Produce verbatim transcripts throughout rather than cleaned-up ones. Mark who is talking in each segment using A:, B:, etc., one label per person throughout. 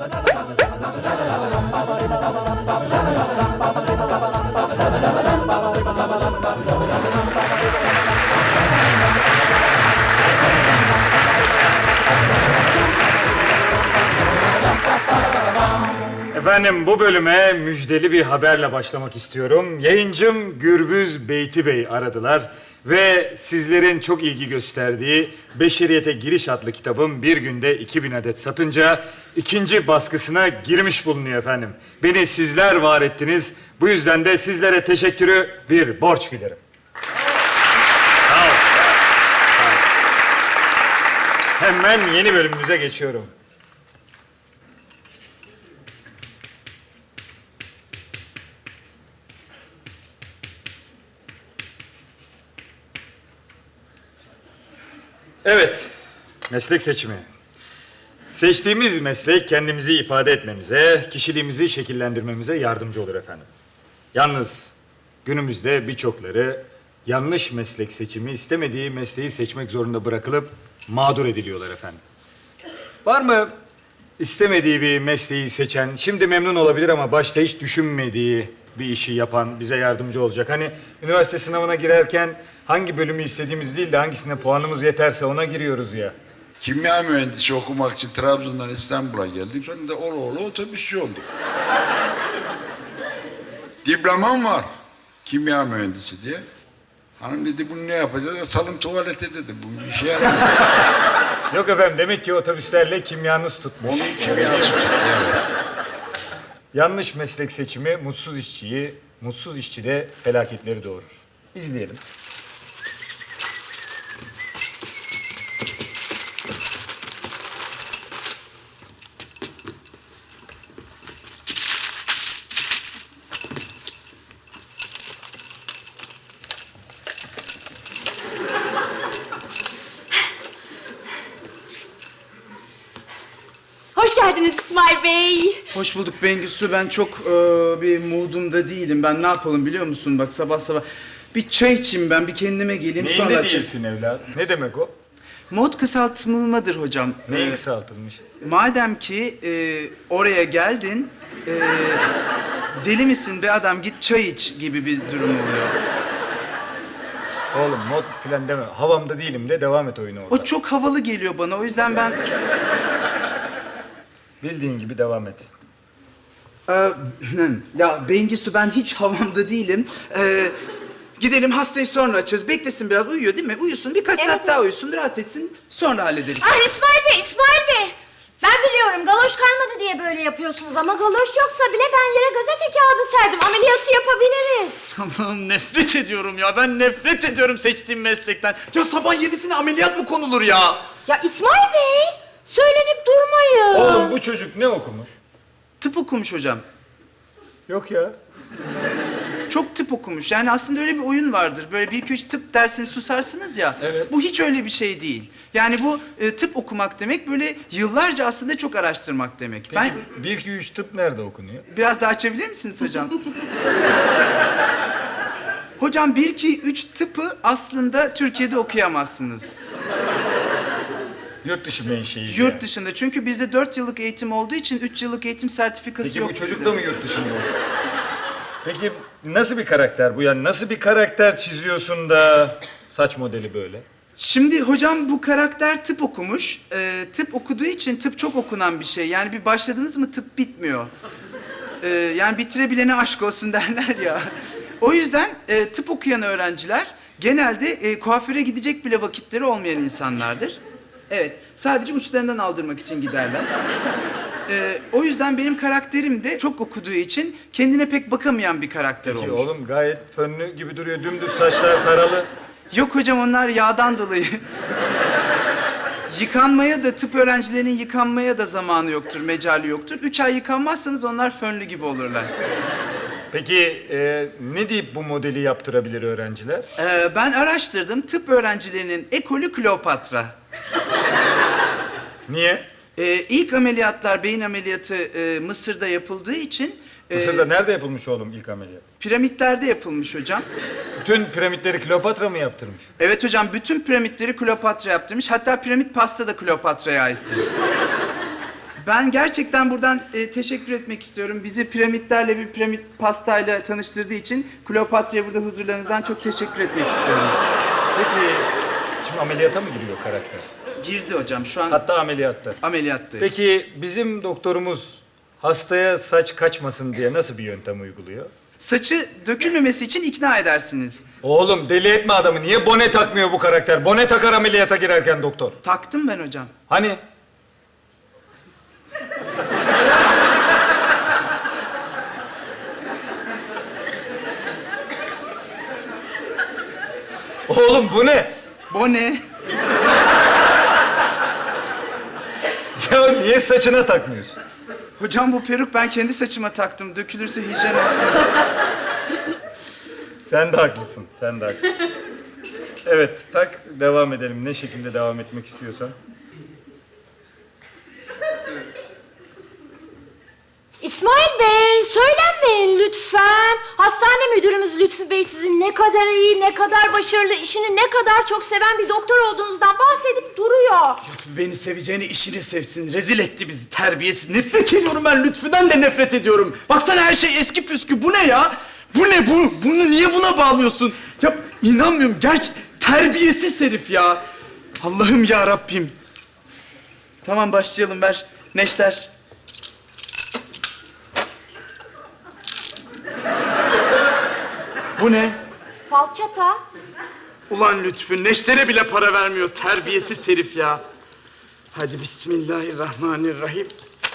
A: Efendim bu bölüme müjdeli bir haberle başlamak istiyorum. Yayıncım Gürbüz Beyti Bey aradılar ve sizlerin çok ilgi gösterdiği Beşeriyete Giriş adlı kitabım bir günde iki bin adet satınca ikinci baskısına girmiş bulunuyor efendim. Beni sizler var ettiniz. Bu yüzden de sizlere teşekkürü bir borç bilirim. Sağ olun. Sağ olun. Hemen yeni bölümümüze geçiyorum. Evet, meslek seçimi. Seçtiğimiz meslek kendimizi ifade etmemize, kişiliğimizi şekillendirmemize yardımcı olur efendim. Yalnız günümüzde birçokları yanlış meslek seçimi, istemediği mesleği seçmek zorunda bırakılıp mağdur ediliyorlar efendim. Var mı istemediği bir mesleği seçen, şimdi memnun olabilir ama başta hiç düşünmediği bir işi yapan, bize yardımcı olacak? Hani üniversite sınavına girerken hangi bölümü istediğimiz değil de hangisine puanımız yeterse ona giriyoruz ya.
B: Kimya mühendisi okumak için Trabzon'dan İstanbul'a geldim. Sonra da ola ola otobüsçü oldum. Diplomam var. Kimya mühendisi diye. Hanım dedi bunu ne yapacağız? Salım tuvalete dedi. Bu bir işe yaramıyor.
A: Yok efendim, demek ki otobüslerle kimyanız tutmuş.
B: Onun kimyası tuttu, evet.
A: Yanlış meslek seçimi mutsuz işçiyi, mutsuz işçi de felaketleri doğurur. İzleyelim.
C: Hoş geldiniz İsmail Bey.
D: Hoş bulduk Bengüsü. Ben çok e, bir moodumda değilim. Ben ne yapalım biliyor musun? Bak sabah sabah bir çay içeyim ben, bir kendime geleyim sonra...
A: Neyinde
D: açayım.
A: değilsin evlat? Ne demek o?
D: Mod kısaltılmadır hocam.
A: Neyin
D: Ee,
A: kısaltılmış?
D: Madem ki e, oraya geldin, e, deli misin be adam git çay iç gibi bir durum oluyor.
A: Oğlum mod falan deme. Havamda değilim de devam et oyunu orada.
D: O çok havalı geliyor bana. O yüzden ben...
A: Bildiğin gibi devam et.
D: Ee, ya Bengisu ben hiç havamda değilim. Ee, gidelim hastayı sonra açacağız. Beklesin biraz uyuyor değil mi? Uyusun birkaç
C: Evet,
D: saat
C: evet.
D: daha uyusun rahat etsin sonra hallederiz.
C: Ay İsmail Bey, İsmail Bey. Ben biliyorum galoş kalmadı diye böyle yapıyorsunuz ama galoş yoksa bile ben yere gazete kağıdı serdim. Ameliyatı yapabiliriz.
D: Allah'ım nefret ediyorum ya. Ben nefret ediyorum seçtiğim meslekten. Ya sabah yedisine ameliyat mı konulur ya?
C: Ya İsmail Bey, söylenip durmayın.
A: Oğlum bu çocuk ne okumuş?
D: Tıp okumuş hocam.
A: Yok ya.
D: Çok tıp okumuş. Yani aslında öyle bir oyun vardır. Böyle bir iki üç tıp dersini susarsınız ya.
A: Evet.
D: Bu hiç öyle bir şey değil. Yani bu e, tıp okumak demek böyle yıllarca aslında çok araştırmak demek.
A: Peki
D: Ben
A: bir, iki, üç tıp nerede okunuyor?
D: biraz daha açabilir misiniz hocam? Hocam bir, iki, üç tıpı aslında Türkiye'de okuyamazsınız.
A: Yurt dışı menşei.
D: Yurt
A: yani.
D: dışında. Çünkü bizde dört yıllık eğitim olduğu için üç yıllık eğitim sertifikası
A: Peki
D: yok
A: bu çocuk
D: bizde.
A: da mı yurt dışında? Peki nasıl bir karakter bu? Yani nasıl bir karakter çiziyorsun da saç modeli böyle?
D: Şimdi hocam bu karakter tıp okumuş. Ee, tıp okuduğu için tıp çok okunan bir şey. Yani bir başladınız mı tıp bitmiyor. Ee, yani bitirebilene aşk olsun derler ya. O yüzden e, tıp okuyan öğrenciler genelde e, kuaföre gidecek bile vakitleri olmayan insanlardır. Evet, sadece uçlarından aldırmak için giderler. Ee, o yüzden benim karakterim de çok okuduğu için kendine pek bakamayan bir karakter
A: Peki
D: olmuş.
A: oğlum gayet fönlü gibi duruyor. Dümdüz saçlar taralı.
D: Yok hocam onlar yağdan dolayı. Yıkanmaya da tıp öğrencilerinin yıkanmaya da zamanı yoktur, mecali yoktur. Üç ay yıkanmazsanız onlar fönlü gibi olurlar.
A: Peki e, ne deyip bu modeli yaptırabilir öğrenciler?
D: Ee, ben araştırdım. Tıp öğrencilerinin ekolü Kleopatra.
A: Niye?
D: Ee, ilk ameliyatlar, beyin ameliyatı e, Mısır'da yapıldığı için... e,
A: Mısır'da nerede yapılmış oğlum ilk ameliyat?
D: piramitlerde yapılmış hocam.
A: Bütün piramitleri Kleopatra mı yaptırmış?
D: Evet hocam, bütün piramitleri Kleopatra yaptırmış. Hatta piramit pasta da Kleopatra'ya aittir. Ben gerçekten buradan e, teşekkür etmek istiyorum. Bizi piramitlerle bir piramit pastayla tanıştırdığı için Kleopatra'ya burada huzurlarınızdan çok teşekkür etmek istiyorum.
A: Peki şimdi ameliyata mı giriyor karakter?
D: Girdi hocam şu an
A: Hatta ameliyatta.
D: ameliyattı.
A: Peki bizim doktorumuz hastaya saç kaçmasın diye nasıl bir yöntem uyguluyor?
D: Saçı dökülmemesi için ikna edersiniz.
A: Oğlum deli etme adamı. Niye bone takmıyor bu karakter? Bone takar ameliyata girerken doktor.
D: Taktım ben hocam.
A: Hani? Oğlum bu ne?
D: Bone.
A: Ya niye saçına takmıyorsun?
D: Hocam bu peruk ben kendi saçıma taktım. Dökülürse hijyen olsun.
A: Sen de haklısın, sen de haklısın. Evet, tak, devam edelim. Ne şekilde devam etmek istiyorsan.
C: İsmail Bey, söylenmeyin lütfen. Hastane müdürümüz Lütfü Bey sizin ne kadar iyi, ne kadar başarılı, işini ne kadar çok seven bir doktor olduğunuzdan bahsedip duruyor.
D: Beni seveceğini işini sevsin. Rezil etti bizi terbiyesiz. Nefret ediyorum ben Lütfü'den de nefret ediyorum. Baksana her şey eski püskü. Bu ne ya? Bu ne bu? Bunu niye buna bağlıyorsun? Ya inanmıyorum. Gerçi terbiyesiz herif ya. Allah'ım ya Rabbim. Tamam başlayalım ver. Neşter. Bu ne?
C: Falçata.
D: Ulan Lütfü, Neşter'e bile para vermiyor. Terbiyesiz herif ya. Hadi bismillahirrahmanirrahim.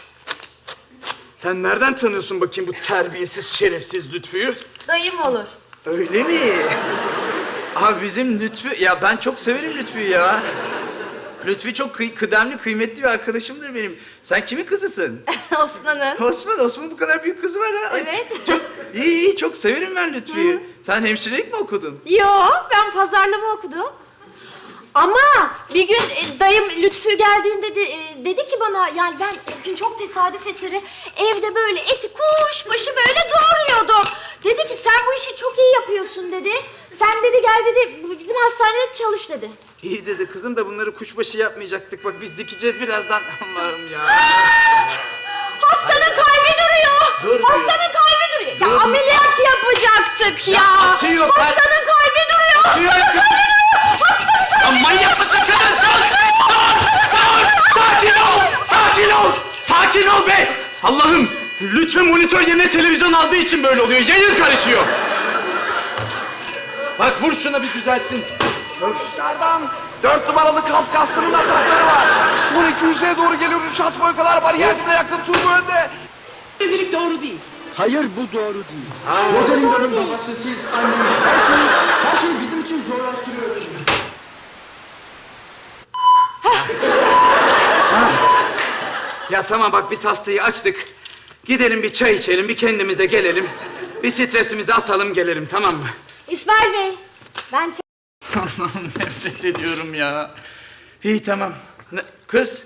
D: Sen nereden tanıyorsun bakayım bu terbiyesiz, şerefsiz Lütfü'yü?
C: Dayım olur.
D: Öyle mi? Abi bizim Lütfü... Ya ben çok severim Lütfü'yü ya. Lütfü çok kıy kıdemli, kıymetli bir arkadaşımdır benim. Sen kimin kızısın?
C: Osman'ın.
D: Osman, Osman bu kadar büyük kızı var ha. Ay,
C: Evet.
D: Çok iyi, iyi, çok severim ben Lütfü'yü. Sen hemşirelik mi okudun?
C: Yo, ben pazarlama okudum. Ama bir gün e, dayım Lütfü geldiğinde de, e, dedi ki bana, yani ben o gün çok tesadüf eseri evde böyle eti kuşbaşı böyle doğruyordum. Dedi ki sen bu işi çok iyi yapıyorsun dedi. Sen dedi gel dedi bizim hastanede çalış dedi.
D: İyi dedi kızım da bunları kuşbaşı yapmayacaktık. Bak biz dikeceğiz birazdan. Allah'ım ya.
C: Hastanın kalbi duruyor.
D: Durmuyor.
C: Hastanın kalbi duruyor. Ya
D: Durmuyor.
C: ameliyat yapacaktık ya.
D: atıyor, kalp-
C: Hastanın kalbi duruyor.
D: Atıyor.
C: Hastanın kalbi duruyor. Hastanın kalbi
D: Ya manyak mısın sen? Sus! Dur! Dur! Sakin ol! Sakin ol! Sakin ol be! Allah'ım! Lütfen monitör yerine televizyon aldığı için böyle oluyor. Yayın karışıyor. Bak vur şuna bir düzelsin.
E: Dışarıdan dört numaralı Kafkaslı'nın atakları var. Son iki yüzeye doğru geliyor. Üç at boy kadar bariyer dibine yakın turbo önde.
F: Evlilik doğru değil.
E: Hayır bu doğru değil. Rosalinda'nın babası siz annem. Her şeyi, her şeyi bizim için zorlaştırıyorsunuz.
D: Ya tamam bak biz hastayı açtık. Gidelim bir çay içelim, bir kendimize gelelim. Bir stresimizi atalım gelelim tamam mı?
C: İsmail Bey, ben ç-
D: Allah'ım nefret ediyorum ya. İyi tamam. Ne- Kız.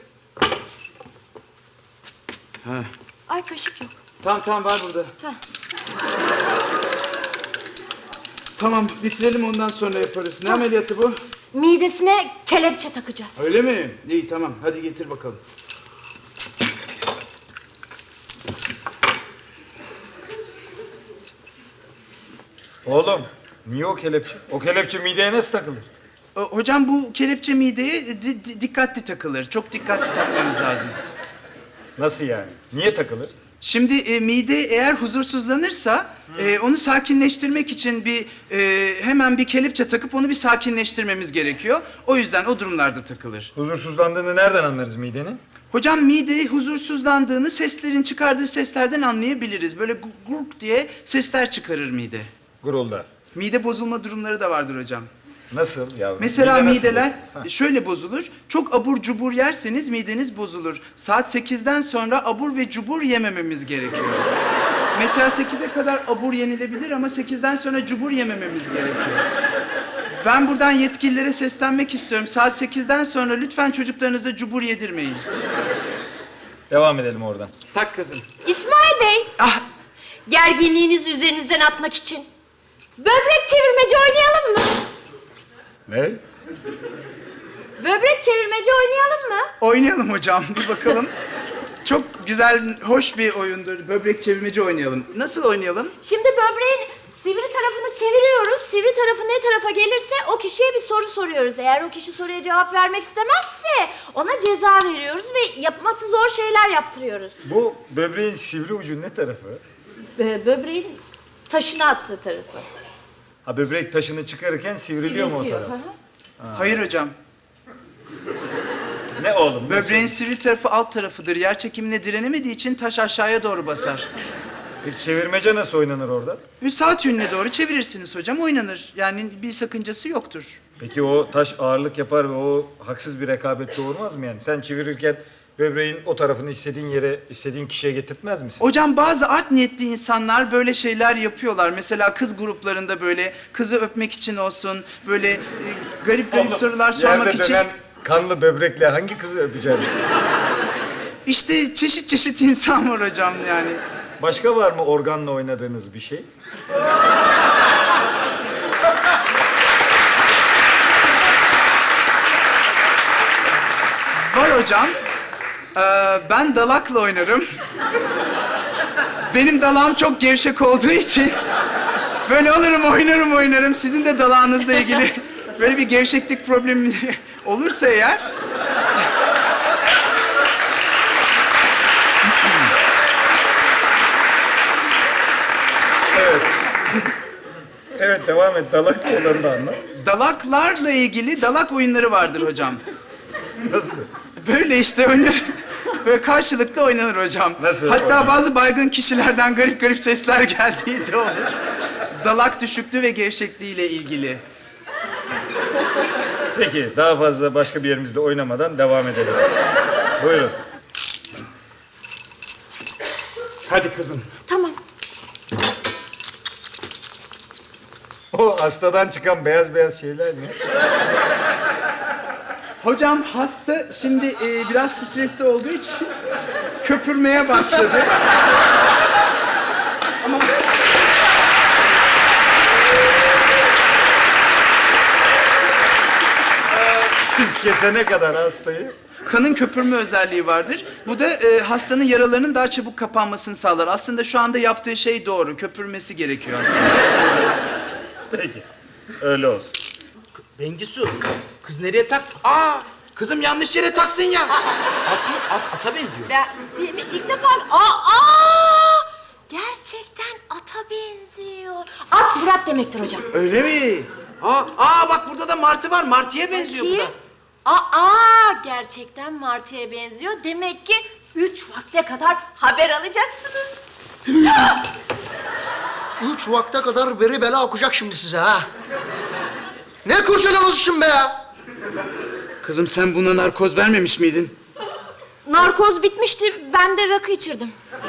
C: Ay kaşık yok.
D: Tamam tamam var burada.
C: Heh.
D: Tamam bitirelim ondan sonra yaparız. Ne ameliyatı bu?
C: Midesine kelepçe takacağız.
D: Öyle mi? İyi tamam hadi getir bakalım.
A: Oğlum, niye o kelepçe? O kelepçe mideye nasıl takılır?
D: O- Hocam bu kelepçe mideye di- di- dikkatli takılır. Çok dikkatli takmamız lazım.
A: Nasıl yani? Niye takılır?
D: Şimdi e, mide eğer huzursuzlanırsa e, onu sakinleştirmek için bir e, hemen bir kelepçe takıp onu bir sakinleştirmemiz gerekiyor. O yüzden o durumlarda takılır.
A: Huzursuzlandığını nereden anlarız midenin?
D: Hocam mide huzursuzlandığını seslerin çıkardığı seslerden anlayabiliriz. Böyle gu- gurk diye sesler çıkarır mide.
A: Gurulda.
D: Mide bozulma durumları da vardır hocam.
A: Nasıl yavrum?
D: Mesela
A: Mide nasıl
D: mideler
A: bu? Ha.
D: şöyle bozulur. Çok abur cubur yerseniz mideniz bozulur. Saat sekizden sonra abur ve cubur yemememiz gerekiyor. Mesela sekize kadar abur yenilebilir ama sekizden sonra cubur yemememiz gerekiyor. Ben buradan yetkililere seslenmek istiyorum. Saat sekizden sonra lütfen çocuklarınıza cubur yedirmeyin.
A: Devam edelim oradan.
D: Tak kızım.
C: İsmail Bey,
D: Ah!
C: gerginliğinizi üzerinizden atmak için böbrek çevirmeci oynayalım mı?
A: Ne?
C: Böbrek çevirmeci oynayalım mı?
D: Oynayalım hocam. Bir bakalım. Çok güzel, hoş bir oyundur. Böbrek çevirmeci oynayalım. Nasıl oynayalım?
C: Şimdi böbreğin sivri tarafını çeviriyoruz. Sivri tarafı ne tarafa gelirse o kişiye bir soru soruyoruz. Eğer o kişi soruya cevap vermek istemezse ona ceza veriyoruz ve yapması zor şeyler yaptırıyoruz.
A: Bu böbreğin sivri ucu ne tarafı?
C: Bö- böbreğin taşını attığı tarafı.
A: Ha, böbrek taşını çıkarırken sivriliyor mu o
C: Sivriltiyor,
A: taraf?
C: hı hı.
D: Hayır hocam.
A: Ne oğlum?
D: Böbreğin sivri tarafı alt tarafıdır. Yer çekimine direnemediği için taş aşağıya doğru basar.
A: Peki çevirmece nasıl oynanır orada?
D: Bir saat yönüne doğru çevirirsiniz hocam, oynanır. Yani bir sakıncası yoktur.
A: Peki o taş ağırlık yapar ve o haksız bir rekabet doğurmaz mı yani? Sen çevirirken böbreğin o tarafını istediğin yere, istediğin kişiye getirtmez misin?
D: Hocam bazı art niyetli insanlar böyle şeyler yapıyorlar. Mesela kız gruplarında böyle kızı öpmek için olsun, böyle e, garip garip sorular sormak
A: Yerde
D: için.
A: dönen kanlı böbrekle hangi kızı öpeceğim?
D: İşte çeşit çeşit insan var hocam yani.
A: Başka var mı organla oynadığınız bir şey?
D: Var hocam. Ee, ben dalakla oynarım. Benim dalağım çok gevşek olduğu için böyle olurum, oynarım oynarım. Sizin de dalağınızla ilgili böyle bir gevşeklik problemi olursa eğer...
A: Evet, devam et. Dalak olanı da anlat.
D: Dalaklarla ilgili dalak oyunları vardır hocam.
A: Nasıl?
D: Böyle işte oynanır. Böyle karşılıklı oynanır hocam.
A: Nasıl
D: Hatta
A: oynanır?
D: bazı baygın kişilerden garip garip sesler geldiği de olur. Dalak düşüklüğü ve gevşekliğiyle ilgili.
A: Peki, daha fazla başka bir yerimizde oynamadan devam edelim. Buyurun. Hadi kızım.
C: Tamam.
A: O hastadan çıkan beyaz beyaz şeyler ne?
D: Hocam hasta şimdi e, biraz stresli olduğu için köpürmeye başladı. Ama
A: Siz kesene kadar hastayı.
D: kanın köpürme özelliği vardır. Bu da e, hastanın yaralarının daha çabuk kapanmasını sağlar. Aslında şu anda yaptığı şey doğru. Köpürmesi gerekiyor aslında.
A: Peki, öyle olsun.
G: Bengisu, kız nereye tak? Aa, kızım yanlış yere taktın ya. At mı? At, ata benziyor.
C: Ben bir- bir- ilk defa... Aa, aa! Gerçekten ata benziyor. At Murat demektir hocam.
G: Öyle mi? Aa, aa bak burada da martı var. Martıya benziyor bu da.
C: Ki, aa, gerçekten martıya benziyor. Demek ki üç vakte kadar haber alacaksınız.
H: Üç vakte kadar beri bela okuyacak şimdi size ha. Ne kurcalıyorsunuz şimdi be ya?
D: Kızım sen buna narkoz vermemiş miydin?
C: Narkoz bitmişti. Ben de rakı içirdim.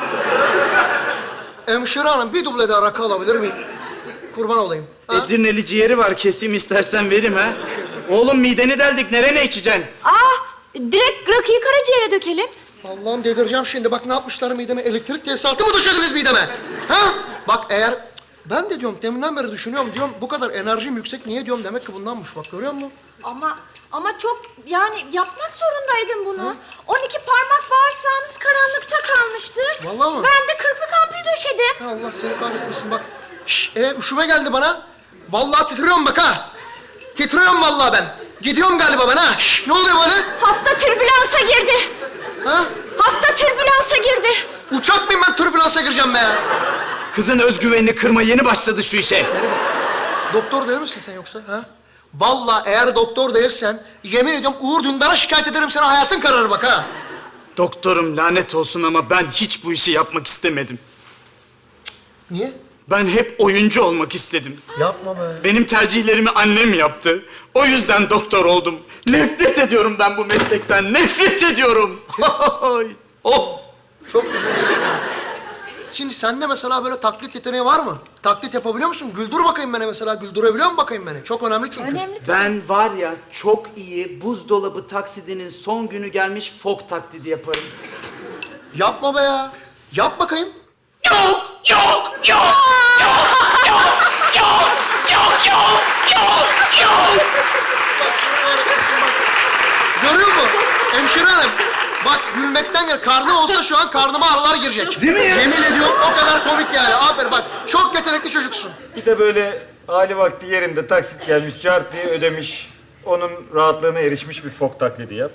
H: Hemşire hanım bir duble daha rakı alabilir miyim? Kurban olayım. Ha?
D: Edirneli ciğeri var, keseyim istersen vereyim ha. Oğlum mideni deldik, nerene içeceksin?
C: Aa, direkt rakıyı karaciğere dökelim.
H: Allah'ım delireceğim şimdi. Bak ne yapmışlar mideme? Elektrik tesisatı mı döşediniz mideme? Ha? Bak eğer... Ben de diyorum, deminden beri düşünüyorum. Diyorum bu kadar enerjim yüksek niye diyorum? Demek ki bundanmış. Bak görüyor musun?
C: Ama ama çok yani yapmak zorundaydım bunu. on iki parmak bağırsağınız karanlıkta kalmıştı.
H: Vallahi mi?
C: Ben de kırklık ampul döşedim.
H: Ya Allah seni kahretmesin bak. Şş, e, üşüme geldi bana. Vallahi titriyorum bak ha. Titriyorum vallahi ben. Gidiyorum galiba ben ha. Şş, ne oluyor bana?
C: Hasta türbülansa girdi.
H: Ha?
C: Hasta türbülansa girdi.
H: Uçak mıyım ben türbülansa gireceğim be ya?
D: Kızın özgüvenini kırma, yeni başladı şu işe.
H: Doktor değil misin sen yoksa ha? Vallahi eğer doktor değilsen yemin ediyorum Uğur Dündar'a şikayet ederim, sana hayatın kararır bak ha.
D: Doktorum lanet olsun ama ben hiç bu işi yapmak istemedim.
H: Niye?
D: Ben hep oyuncu olmak istedim.
H: Yapma be.
D: Benim tercihlerimi annem yaptı. O yüzden doktor oldum. Nefret ediyorum ben bu meslekten, nefret ediyorum. oh.
H: Çok güzel yaşıyor. Şimdi sende mesela böyle taklit yeteneği var mı? Taklit yapabiliyor musun? Güldür bakayım beni mesela. Güldürebiliyor musun bakayım beni? Çok önemli çünkü.
C: Önemli.
D: Ben var ya çok iyi buzdolabı taksidinin son günü gelmiş fok taklidi yaparım.
H: Yapma be ya. Yap bakayım.
G: Yok, yok, yok, yok, yok, yok, yok, yok, yok, yok.
H: Görüyor musun? Hemşire hanım. Bak gülmekten gel. Karnı olsa şu an karnıma ağrılar girecek.
D: Değil mi ya?
H: Yemin ediyorum o kadar komik yani. Aferin bak. Çok yetenekli çocuksun.
A: Bir de böyle hali vakti yerinde taksit gelmiş, cart diye ödemiş. Onun rahatlığına erişmiş bir fok taklidi yap.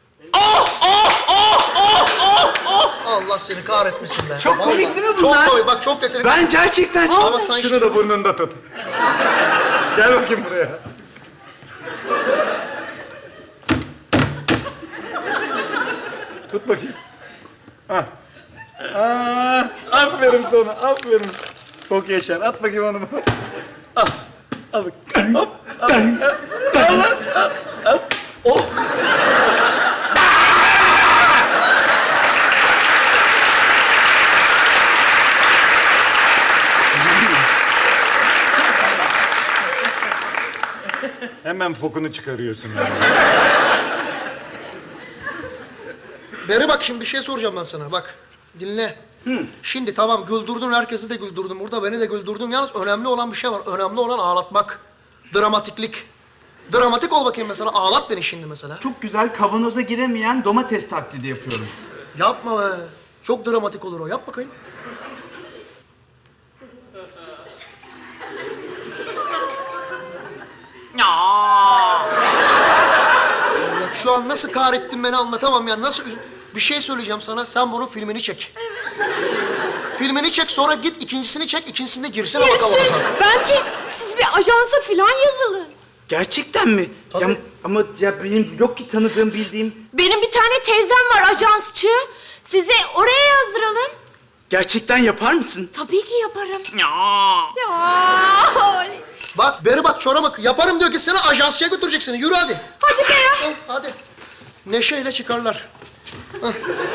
H: Allah seni kahretmesin be.
D: Çok
H: Vallahi.
D: komik değil mi bunlar?
H: Çok komik. Bak çok yetenekli.
D: Ben gerçekten çok...
H: Ama sen
A: Şunu da burnunda tut. Gel bakayım buraya. Tut bakayım. Hah. Aa, aferin sana, aferin. Çok yaşar. At bakayım onu. Al. Al bak. Hop. Al. Al lan. Al. Al. Oh. Hemen fokunu çıkarıyorsun yani.
H: Beri bak şimdi bir şey soracağım ben sana. Bak dinle. Şimdi tamam güldürdün, herkesi de güldürdün. Burada beni de güldürdün. Yalnız önemli olan bir şey var. Önemli olan ağlatmak. Dramatiklik. Dramatik ol bakayım mesela. Ağlat beni şimdi mesela.
D: Çok güzel kavanoza giremeyen domates taklidi yapıyorum.
H: Yapma be. Çok dramatik olur o. Yap bakayım. Allah, şu an nasıl kahrettin beni anlatamam ya. Nasıl üz- Bir şey söyleyeceğim sana. Sen bunun filmini çek. Filmini çek, sonra git ikincisini çek. İkincisinde girsene bakalım.
C: Yarısı. Bence siz bir ajansa falan yazılın.
D: Gerçekten mi?
H: Tabii.
D: Ya, ama ya benim yok ki tanıdığım, bildiğim.
C: Benim bir tane teyzem var ajansçı. Size oraya yazdıralım.
D: Gerçekten yapar mısın?
C: Tabii ki yaparım. Ya. Ya.
H: Bak, beri bak, çora bak. Yaparım diyor ki seni ajansçıya götürecek seni. Yürü hadi.
C: Hadi be ya.
H: Al, hadi. Neşeyle çıkarlar. Hah.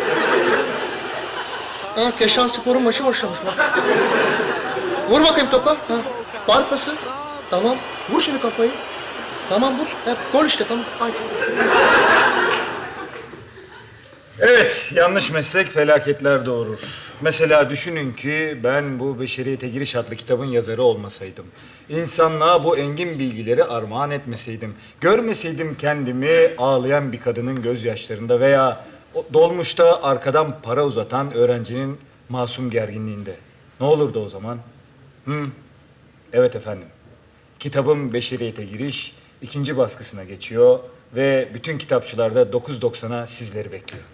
H: Ha, Keşan Spor'un maçı başlamış bak. Vur bakayım topa. Ha. Bar pası. Tamam. Vur şimdi kafayı. Tamam vur. Hep gol işte tamam. Haydi.
A: Evet, yanlış meslek felaketler doğurur. Mesela düşünün ki ben bu Beşeriyete Giriş adlı kitabın yazarı olmasaydım. İnsanlığa bu engin bilgileri armağan etmeseydim. Görmeseydim kendimi ağlayan bir kadının gözyaşlarında veya o dolmuşta arkadan para uzatan öğrencinin masum gerginliğinde. Ne olurdu o zaman? Hı? Evet efendim. Kitabım Beşeriyete Giriş ikinci baskısına geçiyor ve bütün kitapçılarda dokuz doksana sizleri bekliyor.